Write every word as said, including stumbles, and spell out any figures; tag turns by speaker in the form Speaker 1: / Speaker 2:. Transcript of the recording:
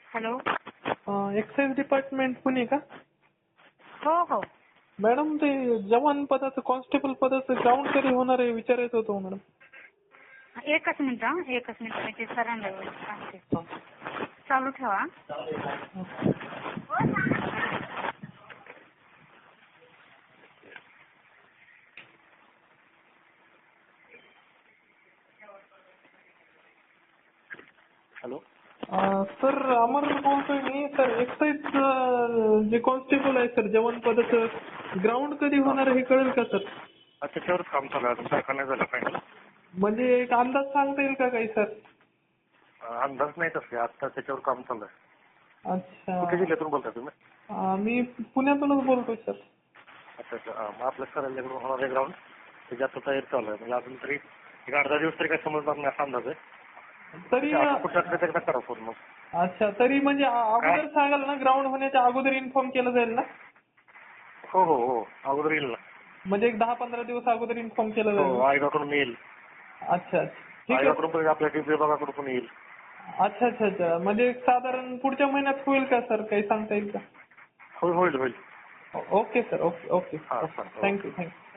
Speaker 1: Hello.
Speaker 2: Excise department Pune का?
Speaker 1: हो हो.
Speaker 2: मॅडम ते जवान पदाचं कॉन्स्टेबल पदाचं ग्राउंड कधी होणार आहे विचारायचं होतं मॅडम.
Speaker 1: एकच मिनिट हा एकच मिनिट मी ते सरांना सांगते. चालू ठेवा.
Speaker 3: हॅलो.
Speaker 2: सर अमर बोलतोय मी. सर एक्साईज जे कॉन्स्टेबल आहे सर जवान पदाचं ग्राउंड कधी होणार हे कळेल का सर?
Speaker 3: त्याच्यावरच काम चालू आहे, अजून काय नाही झालं फायनल.
Speaker 2: म्हणजे एक अंदाज सांगता येईल का काही सर?
Speaker 3: अंदाज नाही तसे, आता त्याच्यावर काम चालू आहे.
Speaker 2: अच्छा.
Speaker 3: कुठे जिल्ह्यातून बोलताय तुम्ही?
Speaker 2: मी पुण्यातूनच बोलतोय सर.
Speaker 3: अच्छा अच्छा. मग आपल्या सरांच्याकडून होणार आहे ग्राउंड, त्याची आता तयारी चालू आहे. म्हणजे अजून तरी एक अर्धा दिवस तरी काही समजणार नाही असा अंदाज आहे.
Speaker 2: तरी
Speaker 3: कुठल्या एकदा करा फोन मग.
Speaker 2: अच्छा. तरी म्हणजे अगोदर सांगाल ना, ग्राउंड होण्याच्या अगोदर इन्फॉर्म केलं जाईल ना?
Speaker 3: हो हो हो अगोदर येईल ना.
Speaker 2: म्हणजे एक दहा पंधरा दिवस अगोदर इन्फॉर्म केलं जाईल.
Speaker 3: हो आयोगाकडून येईल.
Speaker 2: अच्छा ठीक आहे.
Speaker 3: आयोगाकडून पण आपल्या डी विभागाकडून पण येईल.
Speaker 2: अच्छा अच्छा अच्छा. म्हणजे साधारण पुढच्या महिन्यात होईल का सर, काही सांगता येईल का?
Speaker 3: होईल होईल होईल.
Speaker 2: Okay sir. Okay okay.
Speaker 3: हां सर.
Speaker 2: Thank you thank you.